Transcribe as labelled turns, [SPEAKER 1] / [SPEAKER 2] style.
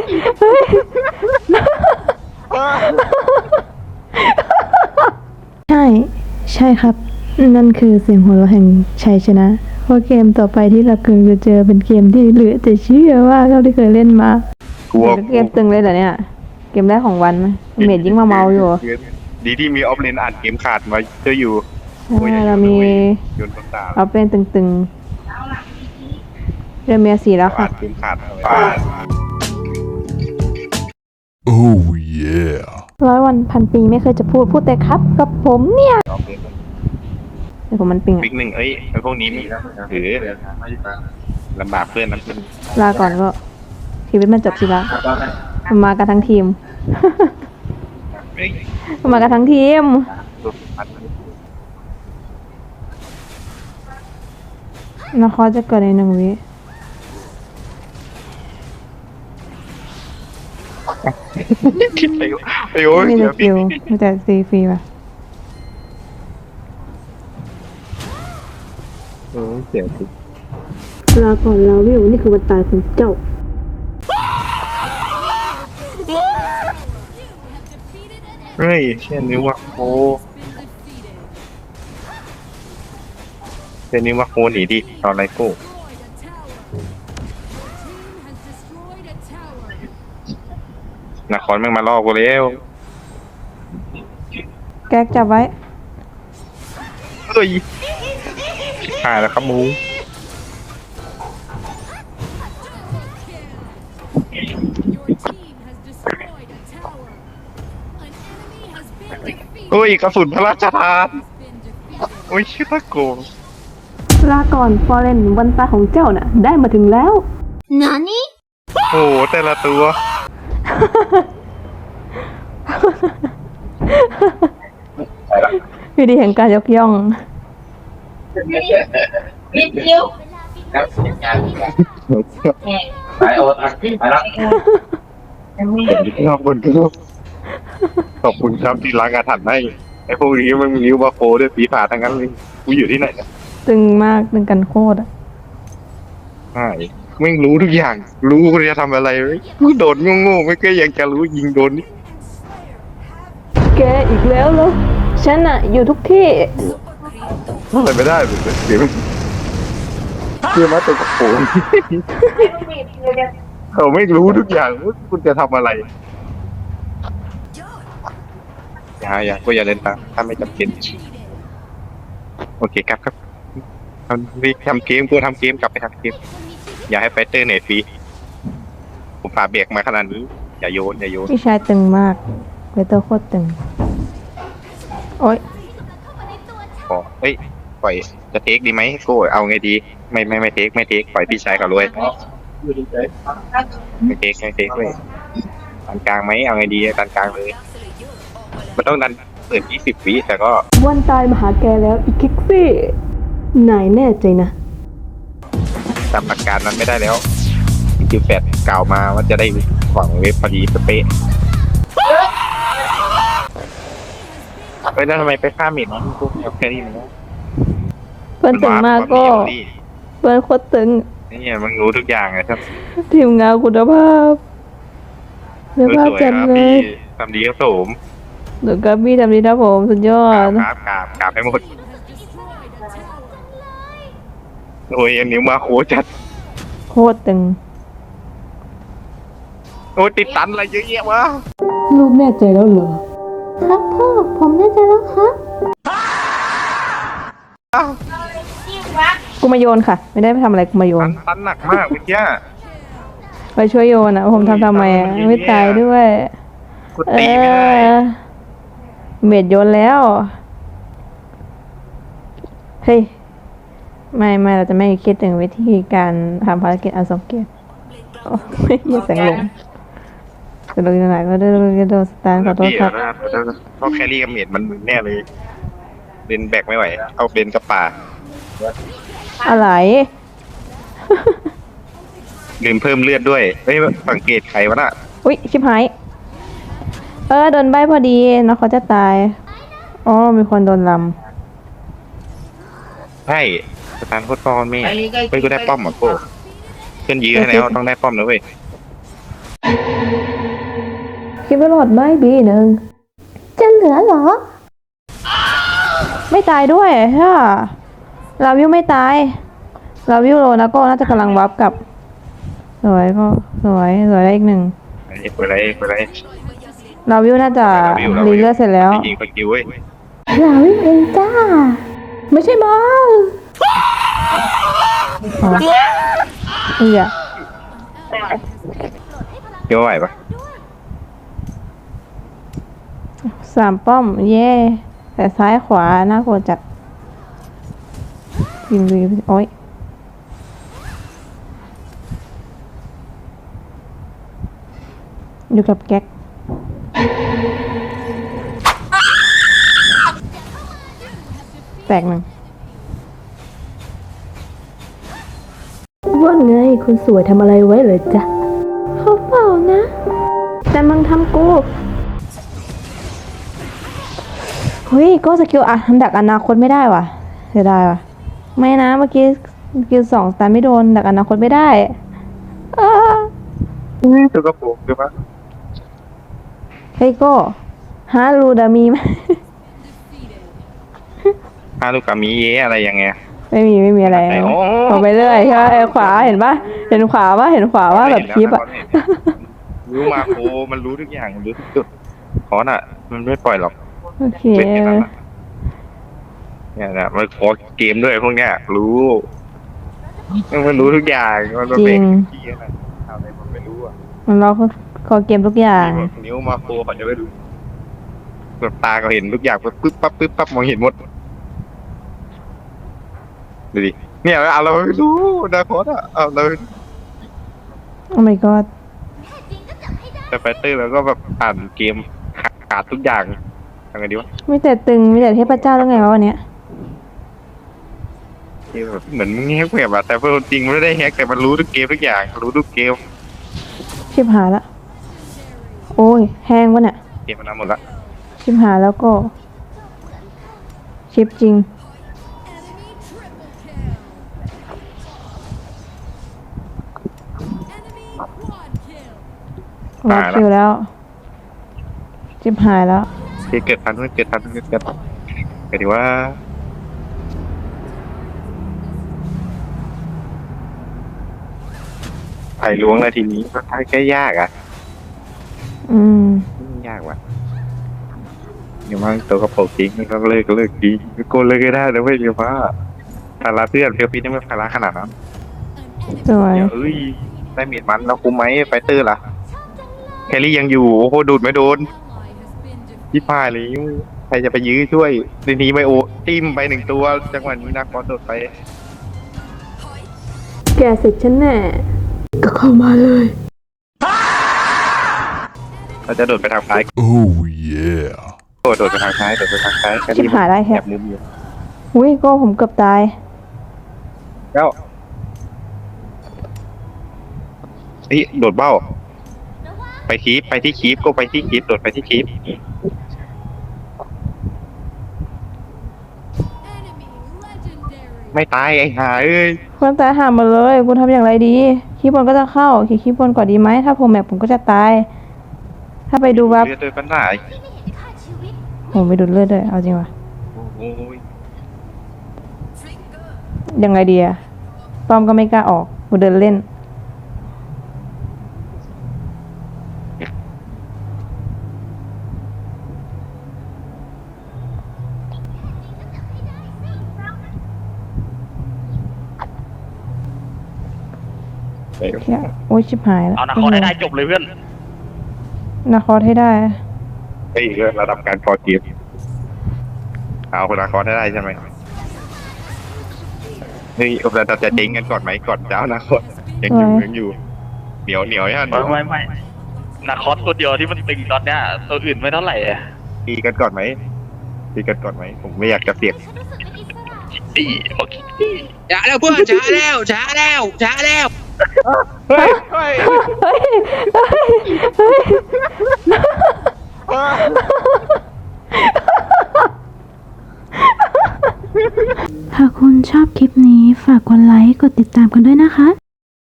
[SPEAKER 1] ใช่ใช่ครับนั่นคือเสียงหัวเราะแห่งชัยชนะเพราะเกมต่อไปที่เรากำลังจะเจอเป็นเกมที่เหลือจะเชื่อว่าเราที่เคยเล่นมาก
[SPEAKER 2] ลัว
[SPEAKER 1] เกมตึงเลยเหรอเนี่ยเกมแรกของวันไหมเมดยิ่งมาเมาอยู่
[SPEAKER 2] ดีที่มีออฟเลนอ่านเกมขาดมาเจออยู่
[SPEAKER 1] เรามี
[SPEAKER 2] โยนต้นตา
[SPEAKER 1] เอาเป็นตึงๆเรือเมียสีแล้วค่ะ
[SPEAKER 2] อ่านเกมขาดเอาไว้
[SPEAKER 3] Oh yeah.
[SPEAKER 1] 100 วันพันปีไม่เคยจะพูดแต่ครับกับผมเนี่ย
[SPEAKER 2] ออฟเลน
[SPEAKER 1] เดี๋ยวผมมันปิง
[SPEAKER 2] บิ๊กหนึ่งไอ้พวกนี้มีถือลำบากเพื่อนนะเพื่อน
[SPEAKER 1] ลาก่อนก็ชีวิตมันจบสิละมันมากันทั้งทีม
[SPEAKER 2] เฮ้ย
[SPEAKER 1] มันมากันทั้งทีมนาคอจะเกิดใน1 วิ
[SPEAKER 2] คิดไปโอ้ย
[SPEAKER 1] มี
[SPEAKER 2] เดี๋
[SPEAKER 1] แต่
[SPEAKER 2] ยว
[SPEAKER 1] คิวมีแต่ซีฟรีป่ะ
[SPEAKER 2] เสียสิ
[SPEAKER 1] ลาก่อนลาวิวนี่คือวันตายของเจ้า
[SPEAKER 2] เฮ้ยเช่นนี้ว่าโคเช่นนี้ว่าโคหนีดิตอนไรโก้นครแม่งมาล่อกูแล้ว
[SPEAKER 1] แก๊กจับไว้
[SPEAKER 2] เฮ้ยหายแล้วครับมูโอ้ยกระสุนพระราชทานโอ้ยชื่อตะโกง
[SPEAKER 1] ลาก่อนฟอเรนวันตายของเจ้าน่ะ ได้มาถึงแล้ว
[SPEAKER 2] โอ้โหแต่ละตัว
[SPEAKER 1] วิธีแห่งการยกย่อง
[SPEAKER 4] นิดเดียวไปโอ๊ตไปแล้ว
[SPEAKER 2] ขอบคุณครับขอบคุณครับที่ล้างอาถรรพ์ให้ไอ้พวกนี้มันมีนิ้วบาโคด้วยปีศาจทั้งนั้นเลยกูอยู่ที่ไหนเนี่ย
[SPEAKER 1] ตึงมากตึงกันโคตรอ่ะ
[SPEAKER 2] ใช่ไม่งรู้ทุกอย่าง รู้กูจะทำอะไรกูโดดโง่ๆไม่ก็ยังจะรู้ยิงโดนนี่
[SPEAKER 1] แกอีกแล้วเหรอฉันอ่ะ อยู่ทุกที่
[SPEAKER 2] อะไรไม่ได้เลยเดี๋ยวเชื่อมาตัวกับโผล่เขาไม่รู้ทุกอย่างว่าคุณจะทำอะไรอย่าก็อย่าเล่นตามถ้าไม่จำเป็นโอเคครับทำเกมกูทำเกมกลับไปทำเกมอย่าให้ไฟเตอร์เน็ตฟรีผมฝ่าเบรกมาขนาดนี้อย่าโยน
[SPEAKER 1] พี่ชายตึงมากเวเตอร์โคตรตึง โอ๊ย
[SPEAKER 2] ขอเอ้ยปล่อยจะเทคดีไหมโก้เอาไงดีไม่เทคปล่อยพี่ชายเขาเลยไม่เทคเลยดันกลางไหมเอาไงดีดันกลางเลยมันต้องดันเปิด20 วิแต่ก็
[SPEAKER 1] วันตายมาหาแกแล้วอีคิกซี่นายแน่ใจนะ
[SPEAKER 2] จำอาการนั้นไม่ได้แล้ว18กล่าวมาว่าจะได้หวังเว็บพอดีเป๊ะเฮ้ยแล้วทำไมไปฆ่าเมดน้องกูเอาแค่นี้มันนะ
[SPEAKER 1] เพื่อนตึงมากก็เพื่อนโคตรตึง
[SPEAKER 2] นี่มันรู้ทุกอย่างเลยครับ
[SPEAKER 1] ทีมงานคุณภาพคุณภาพจัดเลย
[SPEAKER 2] ทำดีครับผม
[SPEAKER 1] เดี๋ยวกับพี่ทำดีนะผมสุดยอก
[SPEAKER 2] รา
[SPEAKER 1] ด
[SPEAKER 2] บกราบให้หมดโอ้ยอันนี้มาโคจัด
[SPEAKER 1] โคตรตึง
[SPEAKER 2] โอ้ยติดตันอะไรเยอะแยะวะ
[SPEAKER 1] ลูกแน่ใจแล้วเหรอ ครับพ่อ ผมแน่ใจแล้วครับ กูมาโยนค่ะ ไม่ได้ไปทำอะไรกูมาโยน
[SPEAKER 2] ตันหนักมากเมื่อกี้
[SPEAKER 1] ไปช่วยโยนนะผมทำไมอ่ะไม่ตายด้วย
[SPEAKER 2] กูตีไม่ได้
[SPEAKER 1] เม็ดโยนแล้ว เฮ้ย ไม่เราจะไม่คิดถึงวิธีการทำภารกิจอันสมเกียรติโอ้ไม่มีแสงลงจะลงที่ไหนก็ได้โดนสแตนขอโทษครับ
[SPEAKER 2] เพราะแครี่กับเมดมันมึนแน่เลยเบนแบกไม่ไหวเอาเบนกับป่า
[SPEAKER 1] อะไร
[SPEAKER 2] ลืมเพิ่มเลือดด้วยเฮ้ยสังเกตใครวะน่ะ
[SPEAKER 1] อุ๊ย ชิบหาย โดนใบพอดีนะเขาจะตาย อ๋อ มีคนโดนล
[SPEAKER 2] ใช่สตาร์โคตรฟอนแม่เฮ้ยกูได้ป้อมเหรอโก้เพื่อนยื้อให้แล้วต้องได้ป้อมนะเว้ย
[SPEAKER 1] ำกินไม่รอดไหมบีหนึ่งจะเหลือเหรอ ไม่ตายด้วยใช่ลาวิวไม่ตายลาวิวโลนะก็น่าจะกำลังวับกับสวยก็สวยได้อีกหนึ่ง
[SPEAKER 2] เปิดอะไร
[SPEAKER 1] ลาวิวน่าจะรีเลือดเสร็จแล้ว
[SPEAKER 2] ยิงไปคิวเว้ย
[SPEAKER 1] ลาวิวเองจ้าไม่ใช่มาอ๋อเหี้ย
[SPEAKER 2] เกี่ยวไหวปะ
[SPEAKER 1] 3 ป้อมเย่แต่ซ้ายขวาน่ากลัวจัดยิงโอ้ยอยู่กับแก๊กแตกหนึ่งว่าไงคุณสวยทำอะไรไว้เลยจ๊ะเขาเปล่านะ แต่มึงทำกูเฮ้ยก็สกิลอ่ะดักอนาคตไม่ได้ว่ะเสียดายว่ะไม่นะเมื่อกี้สกิล2สตาร์ไม่โดนดักอนาคตไม่ได้อ้า
[SPEAKER 2] ตัวกระโปรงคือปะ
[SPEAKER 1] เฮ้ยโก็ฮารูดามีไหม
[SPEAKER 2] ฮาลูกามิเยอะไรยังไง
[SPEAKER 1] ไม่มีอะไร
[SPEAKER 2] โอ้
[SPEAKER 1] ออกไปเรื่อยใช่ไหมขวาเห็นปะเห็นขวาว่าแบบคลิปอ่ะ
[SPEAKER 2] รู้มาโคมันรู้ทุกอย่างรู้ทุกจุดคอนอ่ะ มันไม่ปล่อยหรอก
[SPEAKER 1] โอเค
[SPEAKER 2] เป็นอย่างนั้นนะเนี่ยนะมันขอเกมด้วยพวกเนี้ยรู้มันรู้ทุกอย่างมันเป็นที่อะไรทำอะไรมันไม่รู้อ่ะ
[SPEAKER 1] มันรอคอเกมทุกอย่าง
[SPEAKER 2] นิ้วมาโคเขาจะไม่รู้แบบตาเขาเห็นทุกอย่างปึ๊บปั๊บมองเห็นหมดดูดิเนี่ยเอาเราไม่รู้นะโค้ดอ่ะเอาเรา
[SPEAKER 1] โอ้ my god
[SPEAKER 2] แต่ไฟเตอร์แล้วก็แบบอ่านเกมขาดทุกอย่างทำไงดีวะ
[SPEAKER 1] มีแต่ตึงมีแต่เทพเจ้าแล้วไงวะวันเนี้ย
[SPEAKER 2] แบบเหมือนมึงแฮกแบบอะแต่เป็นจริงมันไม่ได้แฮกแต่มันรู้ทุกเกมทุกอย่างรู้ทุกเกม
[SPEAKER 1] ชิบหายละโอ้ยแห้งวะเนี่ย
[SPEAKER 2] เกมมันทำหมดละ
[SPEAKER 1] ชิบหายแล้วก็ ชิปจริงวัดคิวแล้ว ชิบหายแล้ว
[SPEAKER 2] เกิดทันเกิดไงดีว่าไผ่ล้วงเลยทีนี้มันท้ายแค่ยากอ่ะ
[SPEAKER 1] อืม
[SPEAKER 2] ยากว่ะเดี๋ยวมันตัวกระโปรงทิ้งมันก็เลิกดีโกนเลยก็ได้นะเว้ยเดี๋ยวว่าภาระเพื่อนเพียวพีนี่ไม่ภาระขนาดนั้น
[SPEAKER 1] สวย
[SPEAKER 2] เดี๋ยวเอ้ยได้เมียดมันแล้วคุ้มไหมไฟเตอร์ล่ะแครี่ยังอยู่โอ้โหดูดไม่โดนที่พายเลยใครจะไปยื้อช่วยทีนี้ไม่โอจิ้มไป1 ตัวจังหวะนี้นักบอลโดดไป
[SPEAKER 1] แกเสร็จฉันแน่ ก็เข้ามาเลย
[SPEAKER 2] เราจะโดดไปทางซ้าย
[SPEAKER 3] Oh yeah.
[SPEAKER 2] โดดไปทางซ้ายแค
[SPEAKER 1] ชิบ
[SPEAKER 2] รี่
[SPEAKER 1] หายได้แฮะ
[SPEAKER 2] แอบมุมอยู่
[SPEAKER 1] อุ้ยก็ผมเกือบตาย
[SPEAKER 2] แล้วเฮ้ยโดดเบ้า ไปที่คีปก็ไปที่คีปโดดไปที่คีปไม่ตายไอ้ห่าเอ้ย
[SPEAKER 1] คนตายหาหมดเลยกูทำอย่างไรดีคีย์บอร์ดก็จะเข้าคีย์บอร์ดก่อนดีไหมถ้าผมแมปผมก็จะตาย ถ้าไปดูวับ
[SPEAKER 2] เลือดด้วยปัญหา
[SPEAKER 1] ผมไปดูเลือดด้วยเอาจริงวะ
[SPEAKER 2] โอ้ย
[SPEAKER 1] ยังไงดีอะป้อมก็ไม่กล้าออกกูเดินเล่นเหี้ยโอ้ยชิบหายแล้ว
[SPEAKER 5] เอานะขอได้จบเลยเพื่อน
[SPEAKER 1] นาคอให้ได้
[SPEAKER 2] เฮ้ยเรื่องระดับการคอเกมเอาคนละคอได้ใช่ไหมเฮ้ยเราจะเจ๊งกันก่อนไหมก่อนเจ้านะคนยังอยู่เหนียวฮะ
[SPEAKER 5] ไม่นาคอสตัวเดียวที่มันตึงตอนเนี้ยตัวอื่นไม่เท่าไหร่อะ
[SPEAKER 2] ตีกันก่อนไหมผมไม่อยากจะเสี่ยง
[SPEAKER 5] อีโอเค
[SPEAKER 6] ช้าแล้วเพื่อนช้าแล้ว
[SPEAKER 2] เฮ้ย
[SPEAKER 1] เฮ้ย
[SPEAKER 7] หากคุณชอบคลิปนี้ฝากกดไลค์ กดติดตามกันด้วยนะคะ